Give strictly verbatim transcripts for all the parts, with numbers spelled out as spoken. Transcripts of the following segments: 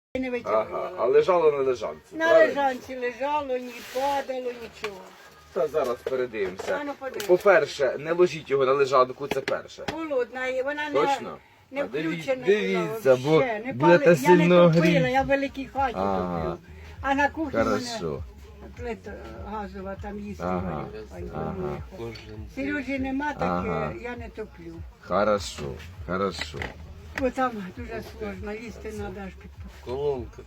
не Ага, витягувала. а лежало на лежанці. На правильно? лежанці лежало, ні падало, нічого. Та зараз передивимося. А ну, подивимося. По-перше, не ложіть його на лежанку, це перше. Холодна, і вона не, Точно? не А диві- включена дивіться, була бо вообще. Не будете пали- сильно Я не топила, гріти. я в великій хаті Ага. топлю. А на кухні в мене Хорошо. плита газова, там їсти Ага. варю. Ай, Ага. ну, Сережі нема, так Ага. е, я не топлю. Хорошо, хорошо. Бо там дуже сложно, їсти треба аж під. Колонка.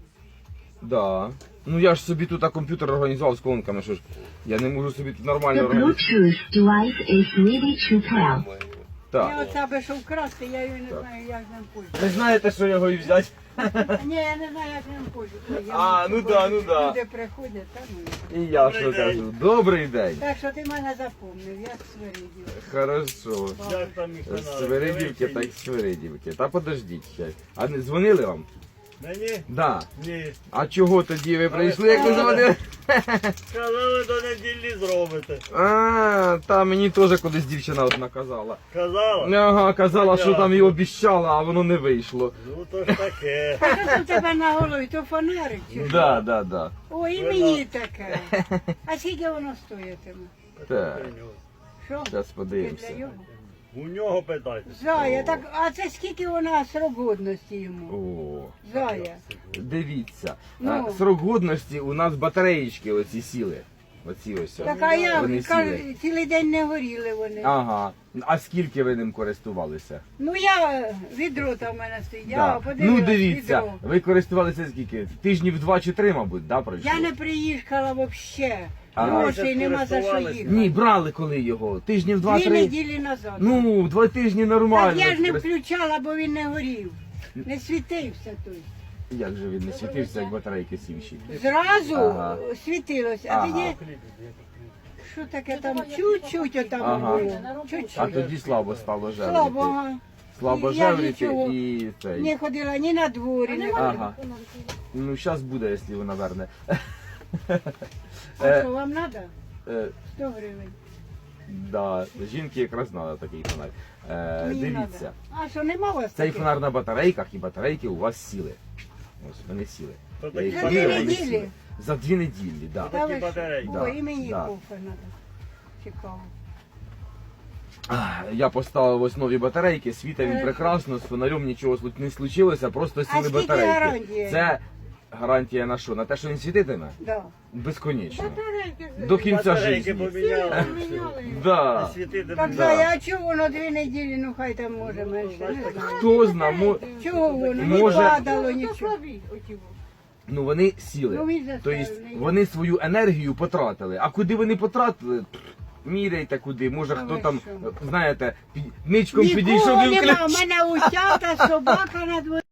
Да. Ну я ж собі тут а, комп'ютер організував з колонками, що ж. Я не можу собі тут The нормально організувати. Bluetooth device is ready to pair. Я Так. оце аби що вкрасти, я її не знаю, як ним пользуватися. Не знаєте, що його і взяти? Ні, я не знаю, як ним пользуватися. А, ну да, ну да. Люди приходять, та ну. І я що кажу. Добрий день. Так що ти мене запомнив, я Свиридів. Хорошо. Як там їх З Свиридівки та й Свиридівки. Та подождіть ще. А не дзвонили вам? Мені? Да. Ні. А чого тоді ви прийшли, як не дзвонили? Казали, до неділі зробите. А, та мені теж колись дівчина одна казала. Казала? Ага, казала, що там і обіщала, а воно не вийшло. Ну то ж таке. А що це в тебе на голові? То фонарик чи що? Да, да, да. О, і мені таке. А скільки воно стоїтиме? Так, Що? зараз Тільки подивимося. для його? У нього питайте. Зая, так, а це скільки вона срок годності йому? О, Зая. дивіться. Ну. А, срок годності у нас батареїчки оці сіли. Оці ось. Так, а я Вони кажу, сіли. цілий день не горіли вони. Ага. А скільки ви ним користувалися? Ну я, відро там в мене стоїть, я Да. подивилась, Ну дивіться, відро. ви користувалися скільки? Тижнів два чи три, мабуть, да, пройшло? Я не приїхала взагалі. Ага. Грошей нема за що Користувались? їхати. Ні, брали коли його? Тижнів Дві два-три? неділі назад. Ну, два тижні нормально. Так я ж не Скорис- включала, бо він не горів. Не світився той. Як же він не світився, як батарейки сівші? Зразу Ага. світилося, а Ага. тоді, що таке там, чуть-чуть отам Ага. було. Чуть-чуть. А тоді слабо стало жевріти. Слабо, ага. Слабо Я жевріти нічого і цей. Не ходила ні на дворі, не ходила. Ага. Ну, зараз буде, якщо вона верне. А що, вам треба? Е, сто гривень. Да, жінки якраз треба такий фонарь. Е, Мені дивіться, надо. А що, нема у вас цей таких? фонар на батарейках і батарейки у вас сіли. Ось вони сіли. То Я такі їх За поміряв, дві вони неділі? сіли. За дві неділі, так. Та ви такі що? батарейки. О, Да, і мені да. кофе треба. Цікаво. Да. Я поставив ось нові батарейки, світа він Хорошо. прекрасно, з фонарем нічого слу- не случилося, просто сіли скільки батарейки. гарантія? Це гарантія на що? На те, що він світитиме? Да. Безконечно. Батарейки. До кінця Батарейки життя. поміняли. Да. Світити Так, не Да. Зая, а чого воно дві неділі, ну хай там може менше. Не знаю. Хто зна, мо... Чого воно? Може- Не падало нічого. ну вони сіли. Ну, він Тобто заставлений. вони свою енергію потратили. А куди вони потратили? Пф, міряйте куди. Може А хто ви там, що? знаєте, пі- ничком підійшов Нікого і нема, у включив. мене усята собака на дворі.